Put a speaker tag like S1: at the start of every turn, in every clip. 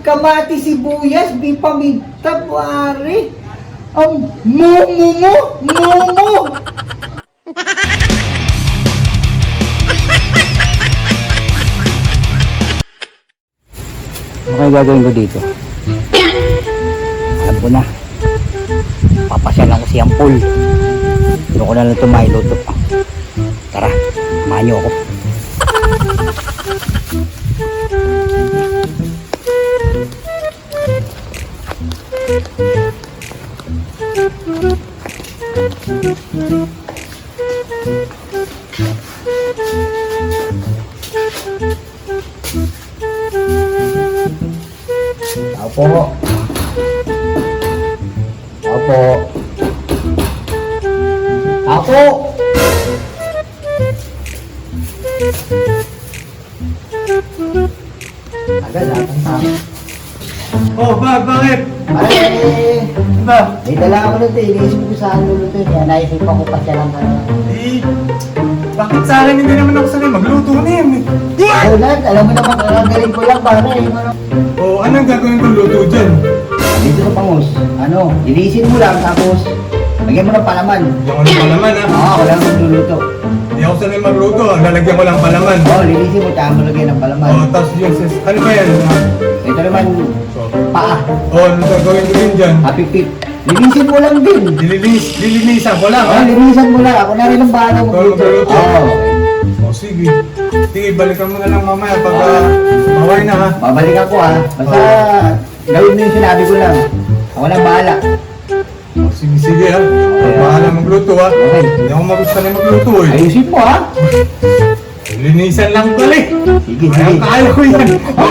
S1: kamati, sibuyas, di paminta, pare. Ang mumu.
S2: Ano kayo gagawin ko dito? Alam ko na. Papasyalan ko si Ampul. Ano ko na lang ito mailuto. Tara, samahan niyo ako. Tao po. Tao po. Tao po. Agad ang tao.
S3: Oh, bakit?
S1: Pare,
S3: Ba?
S1: may dala ako nito. Iniisip ko saan luluto. Kaya naisip ako pa siya lang ka na.
S3: Eh, bakit sa akin hindi naman ako sanay magluto na yan eh?
S1: Ulan, alam mo naman kakagaling ko lang pare.
S3: Oh, anong gagawin kong luto dyan?
S1: Dito ka pangos. Ano, linisin mo lang tapos lagyan mo ng palaman.
S3: Hindi ako ng palaman ha.
S1: Oo, wala nang magluluto.
S3: Hindi ako sanay magluto. Lalagyan ko lang palaman.
S1: Oo, linisin mo tsaka mo lagyan ng palaman.
S3: Oh, tapos yun, ano ba yan?
S1: Ito naman, paa.
S3: Oh, ano gagawin ko din dyan?
S1: Hapipip. Linisin mo lang din.
S3: Lilinisan ko lang ha?
S1: Oo, linisan mo lang. Ako na rin ang bahala mo.
S3: Ikaw magluluto?
S1: Oo.
S3: Oh, sige. Sige, balikan mo na lang mamaya pag maway na ha.
S1: Babalik ako ha. Basta gawin mo yung sinabi ko lang. Ako na bahala.
S3: Oh, sige ha. Bahala magluto ha.
S1: Okay.
S3: Hindi ako magustuhan magluto eh.
S1: Ayusin mo ha.
S3: Linisan lang pala eh.
S1: Sige,
S3: Kaya
S1: sige.
S3: kaya ko yan.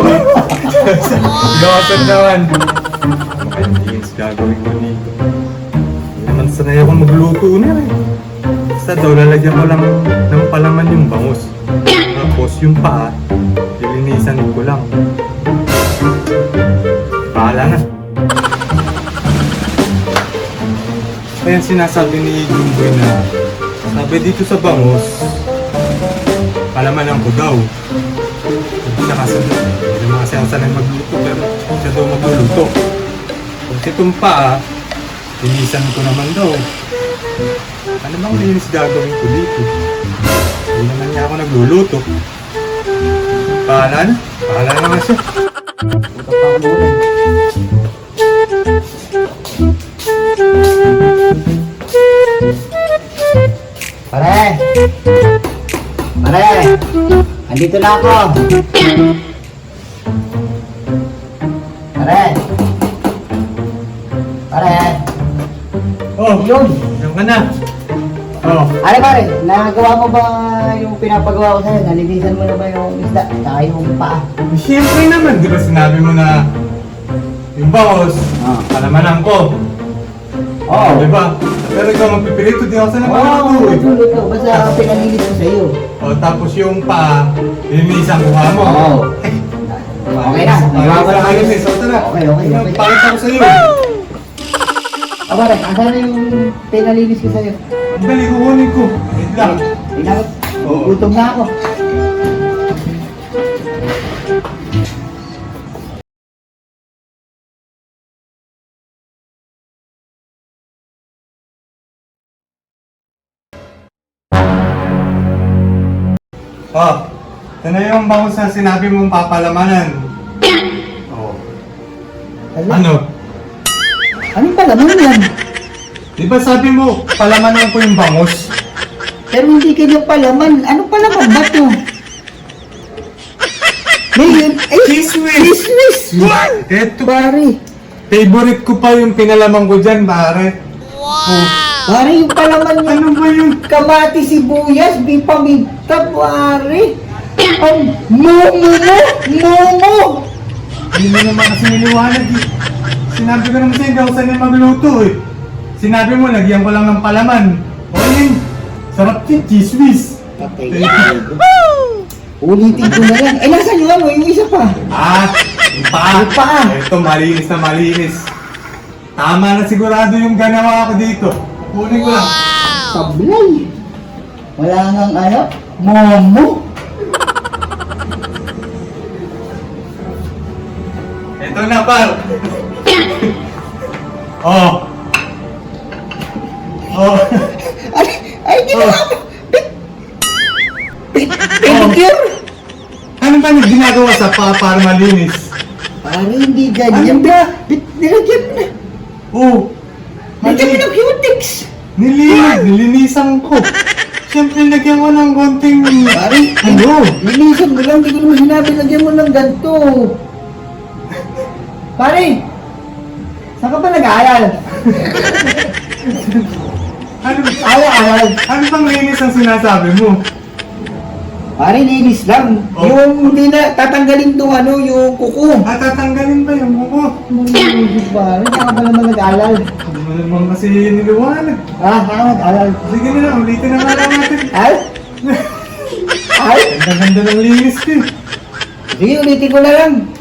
S3: Gawasan naman. Malinis gagawin ko dito. Hindi naman sanay ako magluto na eh. Basta daw lalagyan ko lang ng palaman yung bangus. Tapos yung paa, lilinisan ko lang. Bahala na. Kaya sinasabi ni Jumboy na sabi dito sa bangus, palamanan ko daw. Siya kasi, hindi naman kasi ang sanay magluto, pero siya daw magluluto. Kung itong paa, linisan ko naman daw. Ano bang linis gagawin ko dito? Hindi naman niya ako nagluluto. Pahala na nga siya.
S1: Puta pa ako muna. Pare! Pare! Andito na ako! Pare! Pare!
S3: Oh,
S1: Yun!
S3: diyan ka na. Oh,
S1: Pare pare, nagawa mo ba yung pinapagawa ko sa'yo? Nalinisan mo na ba yung isda? Saka yung paa?
S3: siyempre naman, di ba sinabi mo na yung bangus,
S1: Ah.
S3: palamanan ko.
S1: Oo.
S3: Di ba? Pero ikaw magpipilito, di ako sanay magluto eh.
S1: Magluto. Basta pinalinis ko sa'yo.
S3: O, tapos yung pa, linisan ko mo.
S1: Oo. Okay na.
S3: Ayos na ayos eh. So, tara.
S1: Okay.
S3: Pakita ko sa'yo.
S1: Pare, asan na yung pinalinis ko sa'yo?
S3: Ang dali, kukunin ko. Wait lang.
S1: Inabot.
S3: Oo.
S1: Gutom na ako.
S3: Oh, ito na yung bangus na sinabi mong papalamanan. Oh. Ano?
S1: Anong palaman yan?
S3: Di ba sabi mo, palamanan ko yung bangus?
S1: Pero hindi kanya palaman. Anong palaman ba ito? Ngayon, ay!
S3: Kismis!
S1: Kismis!
S3: Eto,
S1: Pare,
S3: favorite ko pa yung pinalaman ko dyan, pare. Oh,
S1: pare yung palaman niya.
S3: ano ba yun?
S1: Kamati, sibuyas, di paminta, pare. Ang mumu.
S3: Hindi mo naman kasi niliwanag eh. Sinabi ko naman sa'yo, hindi ako sanay magluto eh. Sinabi mo, lagyan ko lang ng palaman. O yun, sarap yun, chismis.
S1: Patay. Ulitin ko na lang. Eh, nasan yung ano? Yung isa pa.
S3: Ah, yung paa.
S1: Yung paa.
S3: Ito, malinis na malinis. Tama na sigurado yung ganawa ko dito. Kunin ko lang.
S1: Sablay. Wala nang ano? Momo.
S3: Ito na, par. Oh. Oh.
S1: Ay, ginawa mo! Pedicure!
S3: Ano ba yung ginagawa sa paa para malinis?
S1: Parang hindi ganyan.
S3: Ano ba?
S1: Nilagyan mo na.
S3: Oh.
S1: Nilagyan mo ng cutics.
S3: Nilinisan ko. Siyempre, lagyan ko ng konting...
S1: Pare,
S3: Ano?
S1: linisan mo lang. Hindi ko naman sinabi, lagyan mo ng ganito. Pare, saan ka ba nag-aaral?
S3: Ano,
S1: Aaral.
S3: ano bang linis ang sinasabi mo?
S1: Pare, linis lang.
S3: Oh.
S1: Yung hindi na tatanggalin tong ano, yung kuko.
S3: At tatanggalin ba yung buko?
S1: Pare, saan ka ba naman nag-aaral?
S3: Hindi mo naman kasi niliwanag.
S1: Ah, saan ka nag-aaral?
S3: Sige na lang, ulitin na nga lang natin.
S1: Ay? Ay?
S3: Ganda-ganda ng linis ko eh.
S1: Sige, ulitin ko na lang.